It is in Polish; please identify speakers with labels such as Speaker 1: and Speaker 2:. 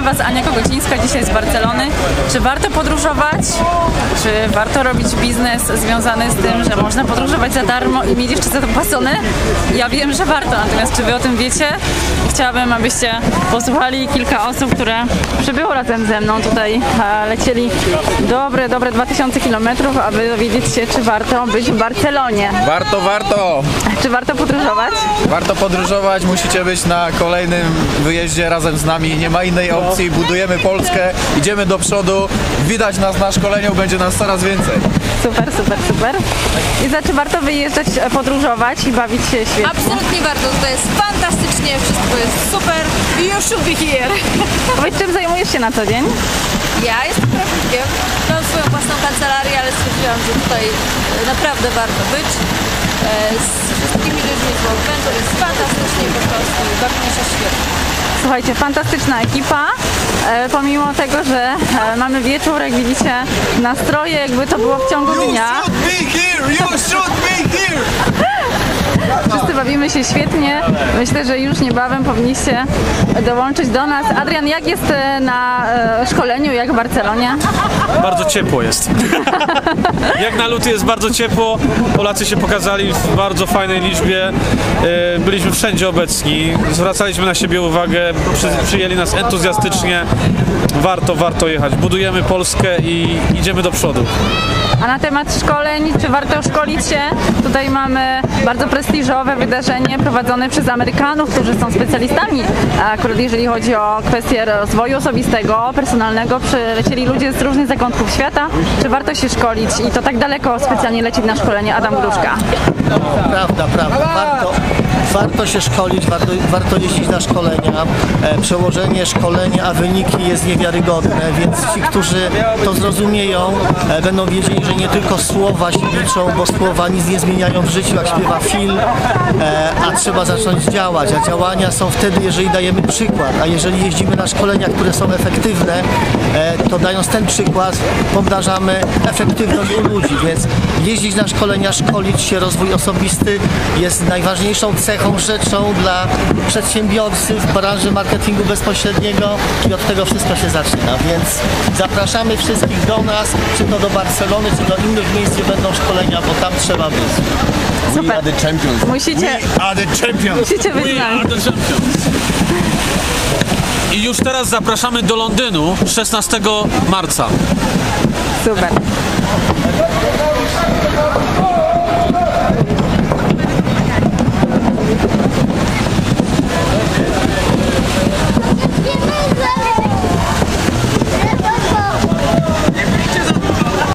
Speaker 1: Was Ania Kogocińska dzisiaj z Barcelony. Czy warto podróżować? Czy warto robić biznes związany z tym, że można podróżować za darmo i mieć jeszcze zapłacone? Ja wiem, że warto, natomiast czy Wy o tym wiecie? Chciałabym, abyście posłuchali kilka osób, które przybyło razem ze mną. Tutaj lecieli dobre 2000 km, aby dowiedzieć się, czy warto być w Barcelonie.
Speaker 2: Warto!
Speaker 1: Czy warto podróżować?
Speaker 2: Warto podróżować, musicie być na kolejnym wyjeździe razem z nami, nie ma innej opcji, budujemy Polskę, idziemy do przodu, widać nas na szkoleniu, będzie nas coraz więcej.
Speaker 1: Super. I czy warto wyjeżdżać, podróżować i bawić się świetnie?
Speaker 3: Absolutnie warto, to jest fantastycznie, wszystko jest super. You should be here.
Speaker 1: Powiedz, czym zajmujesz się na co dzień?
Speaker 3: Ja jestem prawnikiem, mam swoją własną kancelarię, ale stwierdziłam, że tutaj naprawdę warto być. Z wszystkimi ludźmi z World Venture jest fantastycznie po prostu, bawimy się świetnie.
Speaker 1: Słuchajcie, fantastyczna ekipa. Pomimo tego, że mamy wieczór, jak widzicie, nastroje jakby to było w ciągu dnia.
Speaker 2: You should be here!
Speaker 1: Wszyscy bawimy się świetnie. Myślę, że już niebawem powinniście dołączyć do nas. Adrian, jak jest na szkoleniu, jak w Barcelonie?
Speaker 4: Bardzo ciepło jest. Jak na luty jest bardzo ciepło. Polacy się pokazali w bardzo fajnej liczbie. Byliśmy wszędzie obecni. Zwracaliśmy na siebie uwagę. Przyjęli nas entuzjastycznie. Warto jechać. Budujemy Polskę i idziemy do przodu.
Speaker 1: A na temat szkoleń, czy warto szkolić się? Tutaj mamy bardzo prestiżowe wydarzenie prowadzone przez Amerykanów, którzy są specjalistami. Akurat jeżeli chodzi o kwestie rozwoju osobistego, personalnego, przylecieli ludzie z różnych zakątków świata. Czy warto się szkolić i to tak daleko specjalnie lecieć na szkolenie? Adam Gruszka.
Speaker 5: Prawda. Warto się szkolić, warto jeździć na szkolenia. Przełożenie szkolenia, a wyniki jest niewiarygodne, więc ci, którzy to zrozumieją, będą wiedzieli, że nie tylko słowa się liczą, bo słowa nic nie zmieniają w życiu, jak śpiewa film, a trzeba zacząć działać. A działania są wtedy, jeżeli dajemy przykład, a jeżeli jeździmy na szkolenia, które są efektywne, to dając ten przykład, pomnażamy efektywność u ludzi, więc jeździć na szkolenia, szkolić się, rozwój osobisty jest najważniejszą cechą, rzeczą dla przedsiębiorcy w branży marketingu bezpośredniego i od tego wszystko się zaczyna, więc zapraszamy wszystkich do nas, czy to do Barcelony, czy do innych miejsc, gdzie będą szkolenia, bo tam trzeba być.
Speaker 1: Super.
Speaker 2: We are the champions.
Speaker 1: Musicie być z nami.
Speaker 4: I już teraz zapraszamy do Londynu 16 marca.
Speaker 1: Super.